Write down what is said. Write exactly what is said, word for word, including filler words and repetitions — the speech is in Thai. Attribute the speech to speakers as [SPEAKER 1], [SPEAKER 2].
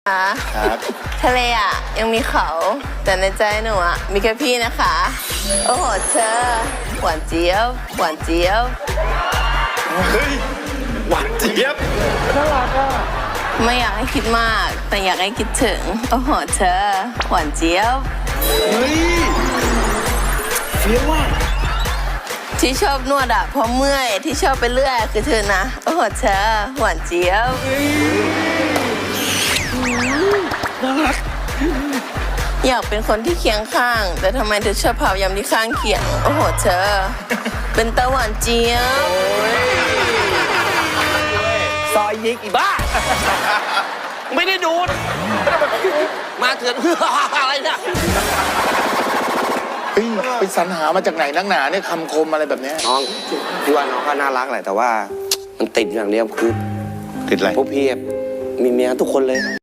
[SPEAKER 1] ครับ
[SPEAKER 2] ทะเลอ่ะยังมีเขาแต่ในใจหนูอ่ะมีแค่พี่นะคะโอ้โหเธอหวานเจี๊ยบหวานเจี๊ยบ
[SPEAKER 1] เฮ้ยหวานเจี๊ยบน่ารักอ่ะ
[SPEAKER 2] ไม่อยากให้คิดมากแต่อยากให้คิดถึงโอ้โหเธอหวานเจี๊ยบ
[SPEAKER 1] เฮ้ยเฟี้ยวว่ะ
[SPEAKER 2] ที่ชอบนวดอ่ะเพราะเมื่อยที่ชอบไปเรื่อยคือเธอนะโอ้โหเธอหวานเจี๊ยบ
[SPEAKER 1] น่ารัก
[SPEAKER 2] อยากเป็นคนที่เคียงข้าง แต่ทำไมเธอชอบเผายำที่ข้างเคียงโอ้โหเธอเป็นตะหวานเจี๊ยบ
[SPEAKER 3] ซอยยิกอีบ้า ไม่ได้ดูดมาเถื่อน อะไรเนี่ย
[SPEAKER 1] เฮ้ยไปสรรหามาจากไหนนักหนาเนี่ยคำคมอะไรแบบเนี้ย
[SPEAKER 3] น้องพี่ว่าน้องก็น่ารักแหละแต่ว่ามันติดอย่างเดียวคือ
[SPEAKER 1] ติดอะไร
[SPEAKER 3] พวกพี่มีเมียทุกคนเลย